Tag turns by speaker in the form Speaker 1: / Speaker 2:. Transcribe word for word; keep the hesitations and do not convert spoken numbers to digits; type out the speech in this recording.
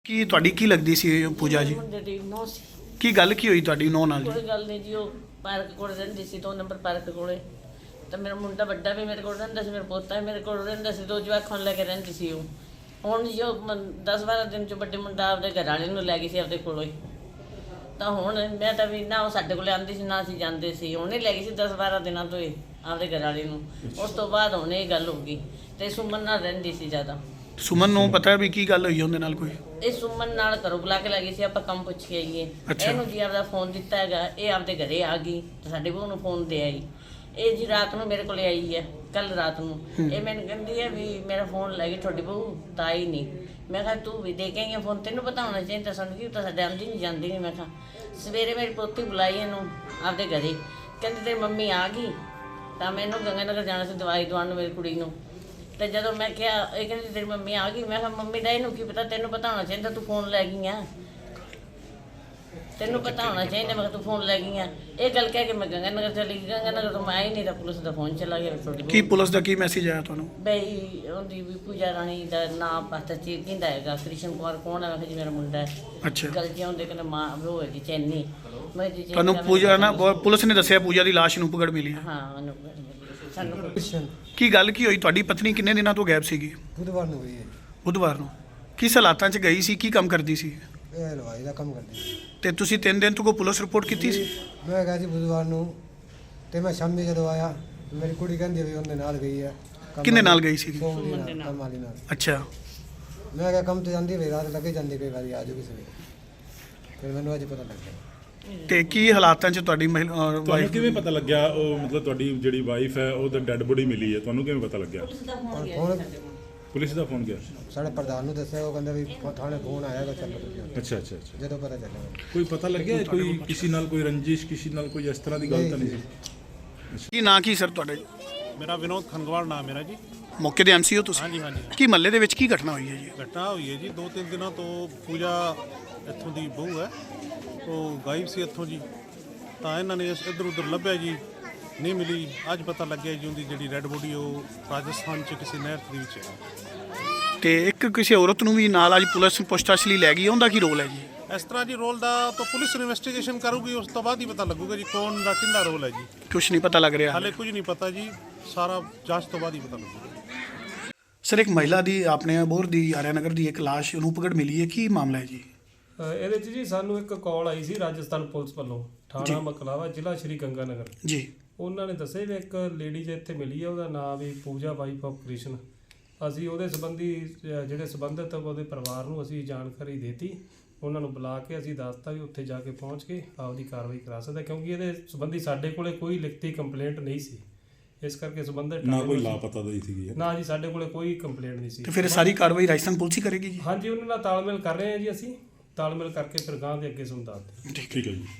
Speaker 1: ਕੀ ਤੁਹਾਡੀ ਕੀ ਲੱਗਦੀ ਸੀ ਪੂਜਾ ਜੀ?
Speaker 2: ਮੁੰਡੇ ਦੀ ਨੌ ਸੀ।
Speaker 1: ਕੀ ਗੱਲ ਕੀ ਹੋਈ ਤੁਹਾਡੀ ਨੌ ਨਾਲ ਜੀ?
Speaker 2: ਕੋਈ ਗੱਲ ਨਹੀਂ ਜੀ, ਉਹ ਪਾਰਕ ਕੋਲ ਰਹਿੰਦੀ ਸੀ, ਦੋ ਨੰਬਰ ਪਾਰਕ ਕੋਲੇ। ਤਾਂ ਮੇਰਾ ਮੁੰਡਾ ਵੱਡਾ ਵੀ ਮੇਰੇ ਕੋਲ ਰਹਿੰਦਾ ਸੀ, ਮੇਰਾ ਪੋਤਾ ਵੀ ਮੇਰੇ ਕੋਲ ਰਹਿੰਦਾ ਸੀ, ਦੋ ਜਵਾਕਾਂ ਨੂੰ ਲੈ ਕੇ ਰਹਿੰਦੀ ਸੀ ਉਹ। ਹੁਣ ਜੋ ਦਸ ਬਾਰਾਂ ਦਿਨ ਚ ਵੱਡੇ ਮੁੰਡਾ ਆਪਦੇ ਘਰ ਵਾਲੇ ਨੂੰ ਲੈ ਗਈ ਸੀ ਆਪਦੇ ਕੋਲੋਂ ਹੀ। ਤਾਂ ਹੁਣ ਮੈਂ ਤਾਂ ਵੀ ਨਾ ਉਹ ਸਾਡੇ ਕੋਲੇ ਆਉਂਦੀ ਸੀ ਨਾ ਅਸੀਂ ਜਾਂਦੇ ਸੀ, ਉਹਨੇ ਲੈ ਗਈ ਸੀ ਦਸ ਬਾਰਾਂ ਦਿਨਾਂ ਤੋਂ ਹੀ ਆਪਦੇ ਘਰ ਵਾਲੇ ਨੂੰ। ਉਸ ਤੋਂ ਬਾਅਦ ਹੁਣ ਇਹ ਗੱਲ ਹੋ ਗਈ ਤੇ ਸੁਮਨ ਨਾਲ ਰਹਿੰਦੀ ਸੀ ਜ਼ਿਆਦਾ।
Speaker 1: ਸੁਮਨ ਨੂੰ ਪਤਾ ਵੀ ਕੀ ਗੱਲ ਹੋਈ ਉਹਦੇ ਨਾਲ ਕੋਈ?
Speaker 2: ਇਹ ਸੁਮਨ ਨਾਲ ਘਰੋਂ ਬੁਲਾ ਕੇ ਲੈ ਗਈ ਸੀ, ਆਪਾਂ ਕੰਮ ਪੁੱਛ ਕੇ ਆਈਏ।
Speaker 1: ਅੱਛਾ।
Speaker 2: ਇਹਨੂੰ ਜੀ ਆਪਦਾ ਫੋਨ ਦਿੱਤਾ ਹੈਗਾ, ਇਹ ਆਪਦੇ ਘਰੇ ਆ ਗਈ ਤੇ ਸਾਡੇ ਬਹੂ ਨੂੰ ਫੋਨ ਦੇ ਆਈ। ਇਹ ਜੀ ਰਾਤ ਨੂੰ ਮੇਰੇ ਕੋਲੇ ਆਈ ਹੈ, ਕੱਲ ਰਾਤ ਨੂੰ। ਇਹ ਮੈਨੂੰ ਕਹਿੰਦੀ ਹੈ ਵੀ ਮੇਰਾ ਫੋਨ ਲੈ ਗਈ ਤੁਹਾਡੀ ਬਹੂ, ਤਾਂ ਆਈ ਨਹੀਂ। ਮੈਂ ਕਿਹਾ ਤੂੰ ਵੀ ਦੇ ਕੇ ਆਈ ਫੋਨ, ਤੈਨੂੰ ਪਤਾ ਹੋਣਾ ਚਾਹੀਦਾ ਸਾਨੂੰ, ਕੀ ਤਾਂ ਸਾਡੇ ਆਉਂਦੀ ਨਹੀਂ ਜਾਂਦੀ ਨਹੀਂ। ਮੈਂ ਕਿਹਾ ਸਵੇਰੇ ਮੇਰੀ ਪੋਤੀ ਬੁਲਾਈ ਇਹਨੂੰ ਆਪਦੇ ਘਰੇ, ਕਹਿੰਦੀ ਤੇਰੀ ਮੰਮੀ ਆ ਗਈ। ਤਾਂ ਮੈਨੂੰ ਗੰਗਾਨਗਰ ਜਾਣਾ ਸੀ ਦਵਾਈ ਦਵਾਉਣ ਨੂੰ ਮੇਰੀ ਕੁੜੀ ਨੂੰ। ਤੇ ਜਦੋਂ ਮੈਂ ਕਿਹਾ, ਇਹ ਕਹਿੰਦੀ ਤੇਰੀ ਮੰਮੀ ਆ ਗਈ। ਮੈਂ ਕਿਹਾ ਮੰਮੀ ਦਾ ਇਹਨੂੰ ਕੀ ਪਤਾ, ਤੈਨੂੰ ਪਤਾ ਹੋਣਾ ਚਾਹੀਦਾ ਤੂੰ ਫੋਨ ਲੈ ਗਈ ਆ, ਤੈਨੂੰ ਪਤਾ ਹੋਣਾ ਚਾਹੀਦਾ। ਮੈਂ ਕਿਹਾ ਤੂੰ ਫੋਨ ਲੈ ਗਈ ਆ। ਇਹ ਗੱਲ ਕਹਿ ਕੇ ਮੈਂ ਗੰਗਾਨਗਰ ਚਲੀ ਗਈ। ਗੰਗਾਨਗਰ ਤੋਂ ਮੈਂ ਆਈ ਨਹੀਂ ਤਾਂ ਪੁਲਿਸ ਦਾ ਫੋਨ ਚਲਾ ਗਿਆ ਤੁਹਾਡੀ
Speaker 1: ਕੀ ਪੁਲਿਸ ਦਾ ਕੀ ਮੈਸੇਜ ਆਇਆ ਤੁਹਾਨੂੰ?
Speaker 2: ਬਈ ਉਹਦੀ ਵੀ ਪੂਜਾ ਰਾਣੀ ਦਾ ਨਾਮ ਪਤਾ ਚੀ ਕਹਿੰਦਾ ਹੈਗਾ, ਕ੍ਰਿਸ਼ਨ ਕੁਮਾਰ ਕੌਣ ਹੈ? ਮੈਂ ਕਿਹਾ ਜੀ ਮੇਰਾ ਮੁੰਡਾ ਹੈ।
Speaker 1: ਅੱਛਾ।
Speaker 2: ਗਲਤੀਆਂ ਹੁੰਦੇ ਕਹਿੰਦਾ ਮਾਂ ਉਹ ਹੈਗੀ ਚੈਨੀ। ਮੈਂ ਜੀ ਚੈਨੀ
Speaker 1: ਤੁਹਾਨੂੰ
Speaker 2: ਦਾ
Speaker 1: ਪੂਜਾ ਨਾ ਪੁਲਿਸ ਨੇ ਦੱਸਿਆ ਪੂਜਾ ਦੀ ਲਾਸ਼ ਨੂੰ ਪਕੜ ਮਿਲੀ ਹੈ?
Speaker 2: ਹਾਂ ਉਹਨੂੰ ਸਾਨੂੰ
Speaker 1: ਕੀ ਗੱਲ ਕੀ ਹੋਈ? ਤੁਹਾਡੀ ਪਤਨੀ ਕਿੰਨੇ ਦਿਨਾਂ ਤੋਂ ਗਾਇਬ ਸੀਗੀ?
Speaker 3: ਬੁੱਧਵਾਰ ਨੂੰ ਗਈ ਹੈ।
Speaker 1: ਬੁੱਧਵਾਰ ਨੂੰ। ਕਿਸ ਹਾਲਾਤਾਂ 'ਚ ਗਈ ਸੀ? ਕੀ ਕੰਮ ਕਰਦੀ ਸੀ?
Speaker 3: ਇਹ ਹਲਵਾਈ ਦਾ ਕੰਮ ਕਰਦੀ ਸੀ।
Speaker 1: ਤੇ ਤੁਸੀਂ ਤਿੰਨ ਦਿਨ ਤੋਂ ਕੋਈ ਪੁਲਿਸ ਰਿਪੋਰਟ ਕੀਤੀ ਸੀ?
Speaker 3: ਮੈਂ ਗਿਆ ਸੀ ਬੁੱਧਵਾਰ ਨੂੰ, ਤੇ ਮੈਂ ਸ਼ਾਮੀ ਜਦੋਂ ਆਇਆ ਮੇਰੀ ਕੁੜੀ ਕਹਿੰਦੀ ਵੀ ਉਹਦੇ ਨਾਲ ਗਈ ਹੈ। ਕੰਮ
Speaker 1: ਕਿਹਦੇ ਨਾਲ
Speaker 3: ਵਾਲੀ-
Speaker 1: ਗਈ ਸੀਗੀ?
Speaker 3: ਸੋਮ ਦੇ ਨਾਲ, ਕੰਮ ਵਾਲੀ ਨਾਲ।
Speaker 1: ਅੱਛਾ।
Speaker 3: ਮੈਂ ਕਿਹਾ ਕੰਮ ਤੇ ਜਾਂਦੀ ਵੀ ਰਾਤ ਲੱਗੇ ਜਾਂਦੀ, ਕਈ ਵਾਰੀ ਆ ਜਾਊਗੀ ਸਵੇਰੇ। ਫਿਰ ਮੈਨੂੰ ਅੱਜ ਪਤਾ ਲੱਗਿਆ।
Speaker 1: ਤੇ ਕੀ ਹਾਲਾਤਾਂ 'ਚ ਤੁਹਾਡੀ ਮਹਿਲਾ
Speaker 4: ਤੁਹਾਨੂੰ
Speaker 1: ਵਾਈਫ?
Speaker 4: ਕਿਵੇਂ ਪਤਾ ਲੱਗਿਆ ਉਹ ਮਤਲਬ ਤੁਹਾਡੀ ਜਿਹੜੀ ਵਾਈਫ ਹੈ ਉਹਦਾ ਡੈੱਡ ਬੋਡੀ ਮਿਲੀ ਹੈ, ਤੁਹਾਨੂੰ ਕਿਵੇਂ ਪਤਾ ਲੱਗਿਆ?
Speaker 2: ਪੁਲਿਸ ਦਾ ਫੋਨ ਗਿਆ
Speaker 3: ਹੁਣ
Speaker 2: ਸੀ ਸਾਡੇ ਕੋਲ।
Speaker 4: ਪੁਲਿਸ ਦਾ ਫੋਨ ਗਿਆ?
Speaker 3: ਸਾਡੇ ਪ੍ਰਧਾਨ ਨੂੰ ਦੱਸਿਆ, ਉਹ ਕਹਿੰਦਾ ਵੀ ਥਾਣੇ ਫੋਨ ਆਇਆ ਗਾ, ਚੱਲੋ ਤੁਸੀਂ।
Speaker 4: ਅੱਛਾ ਅੱਛਾ ਅੱਛਾ।
Speaker 3: ਜਦੋਂ ਪਤਾ ਚੱਲਿਆ
Speaker 4: ਕੋਈ ਪਤਾ ਲੱਗਿਆ ਕੋਈ ਕਿਸੇ ਨਾਲ ਕੋਈ ਰੰਜਿਸ਼, ਕਿਸੇ ਨਾਲ ਕੋਈ ਇਸ ਤਰ੍ਹਾਂ ਦੀ ਗੱਲ ਤਾਂ ਨਹੀਂ ਸੀ?
Speaker 1: ਕੀ ਨਾਂ ਕੀ ਸਰ ਤੁਹਾਡੇ?
Speaker 5: ਮੇਰਾ ਵਿਨੋਦ ਖੰਗਵਾਲ ਨਾਮ ਮੇਰਾ ਜੀ।
Speaker 1: ਮੌਕੇ ਦੇ ਐਮਸੀ ਹੋ ਤੁਸੀਂ?
Speaker 5: ਹਾਂਜੀ ਹਾਂਜੀ।
Speaker 1: ਕੀ ਮਹੱਲੇ ਦੇ ਵਿੱਚ ਕੀ ਘਟਨਾ ਹੋਈ ਹੈ ਜੀ?
Speaker 5: ਘਟਨਾ ਹੋਈ ਹੈ ਜੀ, ਦੋ ਤਿੰਨ ਦਿਨਾਂ ਤੋਂ ਪੂਜਾ ਇੱਥੋਂ ਦੀ ਬਹੂ ਹੈ, ਉਹ ਗਾਇਬ ਸੀ ਇੱਥੋਂ ਜੀ। ਤਾਂ ਇਹਨਾਂ ਨੇ ਇੱਧਰ ਉੱਧਰ ਲੱਭਿਆ ਜੀ, ਨਹੀਂ ਮਿਲੀ। ਅੱਜ ਪਤਾ ਲੱਗਿਆ ਜੀ ਉਹਦੀ ਜਿਹੜੀ ਰੈੱਡ ਬੋਡੀ ਉਹ ਰਾਜਸਥਾਨ 'ਚ ਕਿਸੇ ਨਹਿਰ ਦੇ ਵਿੱਚ ਹੈ।
Speaker 1: ਤੇ ਇੱਕ ਕਿਸੇ ਔਰਤ ਨੂੰ ਵੀ ਨਾਲ ਅੱਜ ਪੁਲਿਸ ਪੁੱਛਤਾਛ ਲਈ ਲੈ ਗਈ, ਉਹਦਾ ਕੀ ਰੋਲ ਹੈ ਜੀ?
Speaker 5: ਇਸ ਤਰ੍ਹਾਂ ਜੀ ਰੋਲ ਦਾ ਤਾਂ ਪੁਲਿਸ ਇਨਵੈਸਟੀਗੇਸ਼ਨ ਕਰੂਗੀ, ਉਸ ਤੋਂ ਬਾਅਦ ਹੀ ਪਤਾ ਲੱਗੂਗਾ ਜੀ ਕੌਣ ਦਾ ਕਿੰਦਾ ਰੋਲ ਹੈ ਜੀ।
Speaker 1: ਕੁਛ ਨਹੀਂ ਪਤਾ ਲੱਗ ਰਿਹਾ
Speaker 5: ਹਾਲੇ ਕੁਝ ਨਹੀਂ ਪਤਾ ਜੀ, ਸਾਰਾ ਜਾਂਚ ਤੋਂ ਬਾਅਦ ਹੀ ਪਤਾ ਲੱਗੂਗਾ।
Speaker 1: ਸਰ, ਇੱਕ ਮਹਿਲਾ ਦੀ ਆਪਣੇ ਅਬੋਹਰ ਦੀ ਆਰਿਆਨਗਰ ਦੀ ਇੱਕ ਲਾਸ਼ ਨੂੰ ਪਕੜ ਮਿਲੀ ਹੈ, ਕੀ ਮਾਮਲਾ ਹੈ ਜੀ?
Speaker 6: ਅ, ਇਹਦੇ 'ਚ ਜੀ ਸਾਨੂੰ ਇੱਕ ਕਾਲ ਆਈ ਸੀ ਰਾਜਸਥਾਨ ਪੁਲਿਸ ਵੱਲੋਂ, ਥਾਣਾ ਮਕਲਾਵਾ, ਜ਼ਿਲ੍ਹਾ ਸ਼੍ਰੀ ਗੰਗਾਨਗਰ।
Speaker 1: ਜੀ।
Speaker 6: ਉਹਨਾਂ ਨੇ ਦੱਸਿਆ ਵੀ ਇੱਕ ਲੇਡੀ ਜੇ ਇੱਥੇ ਮਿਲੀ ਹੈ, ਉਹਦਾ ਨਾਮ ਵੀ ਪੂਜਾ ਵਾਈਫ ਆਫ ਕ੍ਰਿਸ਼ਨ। ਅਸੀਂ ਉਹਦੇ ਸੰਬੰਧੀ ਅ, ਜਿਹੜੇ ਸੰਬੰਧਿਤ ਉਹਦੇ ਪਰਿਵਾਰ ਨੂੰ ਅਸੀਂ ਜਾਣਕਾਰੀ ਦੇਤੀ। ਉਹਨਾਂ ਨੂੰ ਬੁਲਾ ਕੇ ਅਸੀਂ ਦੱਸਤਾ ਵੀ ਉੱਥੇ ਜਾ ਕੇ ਪਹੁੰਚ ਕੇ ਆਪਦੀ ਕਾਰਵਾਈ ਕਰਾ ਸਕਦਾ, ਕਿਉਂਕਿ ਇਹਦੇ ਸੰਬੰਧੀ ਸਾਡੇ ਕੋਲੇ ਕੋਈ ਲਿਖਤੀ ਕੰਪਲੇਂਟ ਨਹੀਂ ਸੀ। ਇਸ ਕਰਕੇ ਸੰਬੰਧਿਤ
Speaker 4: ਨਾ ਕੋਈ ਲਾਪਤਾ ਦੀ ਸੀਗੀ?
Speaker 6: ਨਾ ਜੀ, ਸਾਡੇ ਕੋਲੇ ਕੋਈ ਕੰਪਲੇਂਟ ਨਹੀਂ ਸੀ।
Speaker 1: ਤੇ ਫਿਰ ਸਾਰੀ ਕਾਰਵਾਈ ਰਾਜਸਥਾਨ ਪੁਲਿਸ ਹੀ ਕਰੇਗੀ ਜੀ?
Speaker 6: ਹਾਂਜੀ, ਉਹਨਾਂ ਨਾਲ ਤਾਲਮੇਲ ਕਰ ਰਹੇ ਹਾਂ ਜੀ, ਅਸੀਂ ਤਾਲਮੇਲ ਕਰਕੇ ਫਿਰ ਗਾਂ ਦੇ ਅੱਗੇ ਤੁਹਾਨੂੰ ਦੱਸਦੇ ਹਾਂ।
Speaker 4: ਠੀਕ ਹੈ ਜੀ।